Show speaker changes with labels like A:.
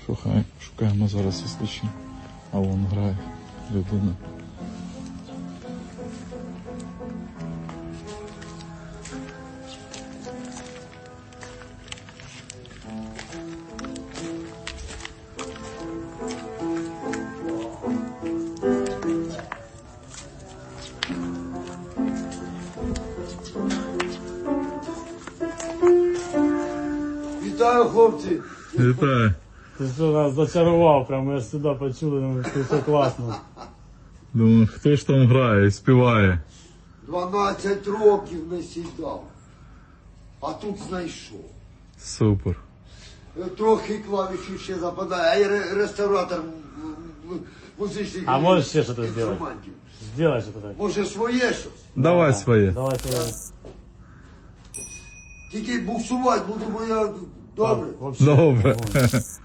A: Шукаємо зараз слідчі. А вон грає людина.
B: Вітаю, хлопці!
A: Вітаю.
C: Ти що нас зачарував, прямо я ж сюди почули, думаю, що все класно.
A: Думаю, хто ж там грає і співає?
B: 12 років не сідав, а тут знайшов.
A: Супер.
B: Трохи клавішів ще западає, а я реставратор музичних
C: А можеш ще щось
B: інструментів.
C: Сделай що так.
B: Може своє щось?
A: Давай своє.
C: Давай сюди.
B: Тільки буксувати буду, бо я добре.
C: Вообще.
A: Добре.